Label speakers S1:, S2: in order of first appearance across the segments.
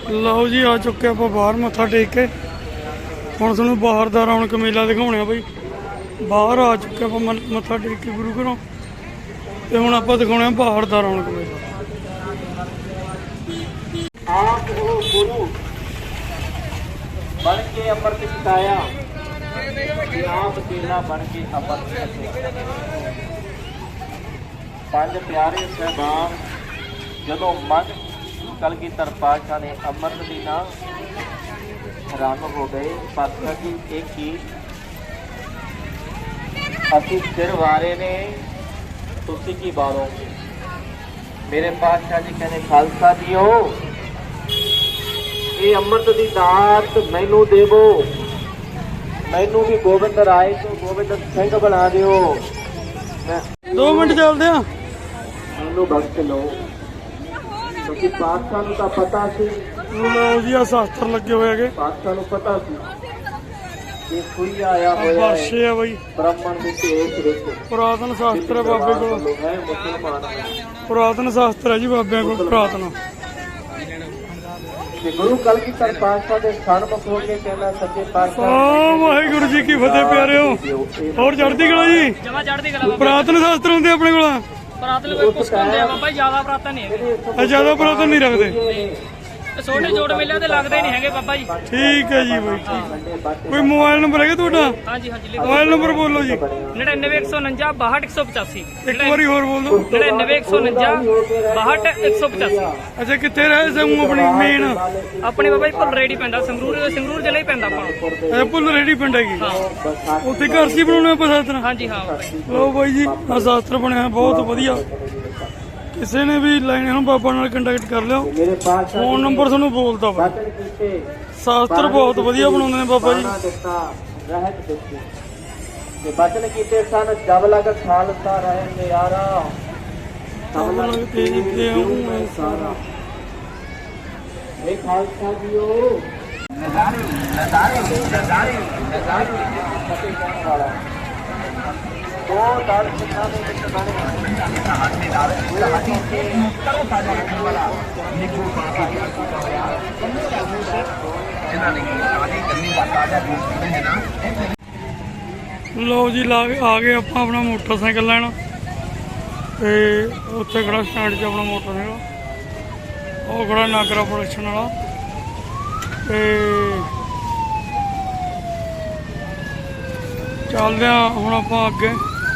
S1: ਲਓ ਜੀ ਆ ਚੁੱਕੇ ਆਪਾਂ ਬਾਹਰ ਮੱਥਾ ਟੇਕ ਕੇ। ਹੁਣ ਤੁਹਾਨੂੰ ਬਾਹਰ ਦਾ ਰੌਣਕ ਮੇਲਾ ਦਿਖਾਉਣੇ ਆ ਬਈ। ਬਾਹਰ ਆ ਚੁੱਕੇ ਆਪਾਂ ਮੱਥਾ ਟੇਕ ਕੇ ਗੁਰੂ ਘਰੋਂ, ਤੇ ਹੁਣ ਆਪਾਂ ਦਿਖਾਉਣੇ ਆ ਬਾਹਰ ਦਾ ਰੌਣਕ ਮੇਲਾ।
S2: ਆਪ ਉਹ ਗੁਰੂ ਬਣ ਕੇ ਅੰਮ੍ਰਿਤ ਛਕਾਇਆ, ਆਪ ਚੇਲਾ ਬਣ ਕੇ ਅੰਮ੍ਰਿਤ ਛਕਿਆ। ਪੰਜ ਪਿਆਰੇ ਸਾਹਿਬਾਨ ਜਦੋਂ ਮਨ ਕਲਗੀਧਰ ਪਾਤਸ਼ਾਹ ਨੇ ਅੰਮ੍ਰਿਤ ਦੀ ਨਾ ਹੈਰਾਨ ਹੋ ਗਏ। ਪਾਤਸ਼ਾਹ ਜੀ ਇਹ ਕੀ ਅਸੀਂ ਸਿਰ ਵਾਰੇ ਨੇ, ਤੁਸੀਂ ਕੀ ਵਾਰੋਗੇ? ਮੇਰੇ ਪਾਤਸ਼ਾਹ ਜੀ ਕਹਿੰਦੇ ਖਾਲਸਾ ਜੀਓ, ਇਹ ਅੰਮ੍ਰਿਤ ਦੀ ਦਾਤ ਮੈਨੂੰ ਦੇਵੋ, ਮੈਨੂੰ ਵੀ ਗੋਬਿੰਦ ਰਾਏ ਤੋਂ ਗੋਬਿੰਦ ਸਿੰਘ ਬਣਾ ਦਿਓ।
S1: 2 ਮਿੰਟ ਚੱਲਦੇ ਆ।
S2: ਮੈਨੂੰ ਬਖਸ਼ ਲਓ, ਕਿਉਂਕਿ ਪਾਤਸ਼ਾਹ ਨੂੰ ਤਾਂ ਪਤਾ ਸੀ।
S1: ਲਓ ਜੀ ਆ ਸ਼ਾਸਤਰ ਲੱਗੇ ਹੋਏ ਹੈਗੇ।
S2: ਪਾਤਸ਼ਾਹ ਨੂੰ ਪਤਾ ਸੀ ਕਿ ਕੋਈ ਆਇਆ ਹੋਇਆ
S1: ਬਾਸ਼ੇ ਆ ਬਈ,
S2: ਬ੍ਰਾਹਮਣ ਦੇ ਭੇਸ ਵਿੱਚ।
S1: ਪੁਰਾਤਨ ਸ਼ਾਸਤਰ ਹੈ ਬਾਬੇ ਕੋਲ,
S2: ਹੈ ਮੁਸਲਮਾਨ
S1: ਪੁਰਾਤਨ ਸ਼ਾਸਤਰ ਹੈ ਜੀ ਬਾਬਿਆਂ ਕੋਲ ਪੁਰਾਤਨ।
S2: ਤੇ ਗੁਰੂ ਕਲਗੀਧਰ ਪਾਤਸ਼ਾਹ ਦੇ ਸਨਮੁਖ ਹੋ ਕੇ ਕਹਿੰਦਾ ਸੱਚੇ ਪਾਤਸ਼ਾਹ
S1: ਵਾਹਿਗੁਰੂ ਜੀ ਕੀ ਫਤਿਹ ਪਿਆਰਿਓ। ਹੋਰ ਚੜ੍ਹਦੀ ਕਲਾ ਜੀ।
S3: ਜਮਾ ਚੜ੍ਹਦੀ ਕਲਾ।
S1: ਪੁਰਾਤਨ ਸ਼ਾਸਤਰ ਹੁੰਦੇ ਆਪਣੇ ਕੋਲ।
S3: ਪੁਰਾਤਨ ਕੋਈ ਪੁਸਤਕ ਹੁੰਦੇ ਆ ਬਾਬਾ, ਜਿਆਦਾ ਪੁਰਾਤਨ ਨਹੀਂ ਹੈਗੇ।
S1: ਜਿਆਦਾ ਪੁਰਾਤਨ ਨਹੀਂ ਰੱਖਦੇ।
S3: ਛੋਟੇ ਜੋੜ ਮੇਲਿਆਂ ਤੇ ਲੱਗਦੇ ਨਹੀਂ ਹੈਗੇ ਬਾਬਾ ਜੀ।
S1: ਠੀਕ ਹੈ ਜੀ ਬਾਈ, ਠੀਕ। ਕੋਈ ਮੋਬਾਈਲ ਨੰਬਰ ਹੈਗਾ ਤੁਹਾਡਾ?
S3: ਹਾਂਜੀ ਹਾਂਜੀ ਲਿਖੋ।
S1: ਮੋਬਾਈਲ ਨੰਬਰ ਬੋਲੋ ਜੀ।
S3: 99 149 62 185।
S1: ਇੱਕ ਵਾਰੀ ਹੋਰ ਬੋਲ ਦਿਓ।
S3: 99 149 62 185।
S1: ਅੱਛਾ ਕਿੱਥੇ ਰਹੇ ਸੂ ਆਪਣੀ ਮੇਨ?
S3: ਆਪਣੇ ਬਾਬਾ ਜੀ ਭੁੱਲ ਰੇੜੀ ਪੈਂਦਾ, ਸੰਗਰੂਰ ਜ਼ਿਲ੍ਹਾ ਹੀ ਪੈਂਦਾ ਆਪਾਂ।
S1: ਅੱਛਾ ਭੁੱਲ ਰੇੜੀ ਪਿੰਡ ਹੈਗੀ,
S3: ਹਾਂ
S1: ਉੱਥੇ ਘਰ ਸੀ ਬਣਾਉਣੇ ਆਪਾਂ ਸ਼ਾਸਤਰ।
S3: ਹਾਂਜੀ ਹਾਂ ਬਾਬਾ ਜੀ।
S1: ਲਓ ਬਾਈ ਜੀ ਆ ਸ਼ਾਸਤਰ ਬਣਿਆ ਬਹੁਤ ਵਧੀਆ। ਕਿਸੇ ਨੇ ਵੀ ਲੈਣੇ ਹੁਣ ਬਾਬਾ ਨਾਲ ਕੰਟੈਕਟ ਕਰ ਲਿਓ।
S2: ਮੇਰੇ ਪਾਤਸ਼ਾਹ
S1: ਫੋਨ ਨੰਬਰ ਤੁਹਾਨੂੰ ਬੋਲਦਾ ਵਾ।
S2: ਬਚਨ ਕੀਤੇ
S1: ਸ਼ਾਸਤਰ ਬਹੁਤ ਵਧੀਆ ਬਣਾਉਂਦੇ ਨੇ ਬਾਬਾ ਜੀ।
S2: ਦਿੱਤਾ ਰਹਿਤ ਦਿੱਤੀ ਤੇ ਬਚਨ ਕੀਤੇ ਸਨ ਜਬ ਲਗ ਖਾਲਸਾ ਰਹੇ ਨਿਆਰਾ,
S1: ਸਭ ਲਗ ਤੇਜ ਤੇ ਆਉਂ
S2: ਸਾਰਾ। ਇਹ ਖਾਲਸਾ ਜੀਓ ਨਜ਼ਾਰੇ ਨਜ਼ਾਰੇ ਨਜ਼ਾਰੇ ਨਜ਼ਾਰੇ ਫਤਿਹ ਕਹਿਣ ਵਾਲਾ ਦੋ ਦਲ ਸਿੱਖਾਂ ਦੇ ਵਿੱਚ ਬਣੇ ਕਰੋ ਸਾਡਾ ਰੱਖਣ ਵਾਲਾ ਨਿੱਕੂ ਪਾਪਾ ਇਹਨਾਂ ਨੇ ਆਦੀ ਕਰਨੀ ਬਾਤਾਂ ਦਾ ਦੂਸਰੇ ਹੈ ਨਾ।
S1: ਲਓ ਜੀ ਆ ਗਏ ਆਪਾਂ ਆਪਣਾ ਮੋਟਰਸਾਈਕਲ ਲੈਣ, ਤੇ ਉੱਥੇ ਖੜਾ ਸਟੈਂਡ 'ਚ ਆਪਣਾ ਮੋਟਰਸਾਈਕਲ। ਉਹ ਖੜਾ ਨਾਗਰਾ ਪ੍ਰੋਡਕਸ਼ਨ ਵਾਲਾ। ਤੇ ਚੱਲਦੇ ਆ ਹੁਣ ਆਪਾਂ ਅੱਗੇ।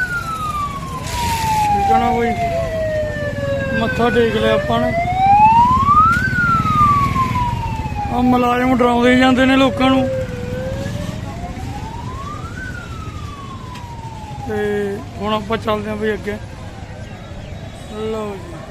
S1: ਠੀਕ ਹੈ ਨਾ ਬਈ, ਮੱਥਾ ਟੇਕ ਲਿਆ ਆਪਾਂ ਨੇ। ਆ ਮੁਲਾਜ਼ਮ ਡਰਾਉਂਦੇ ਜਾਂਦੇ ਨੇ ਲੋਕਾਂ ਨੂੰ, ਤੇ ਹੁਣ ਆਪਾਂ ਚੱਲਦੇ ਆ ਬਈ ਅੱਗੇ। ਲਓ ਜੀ।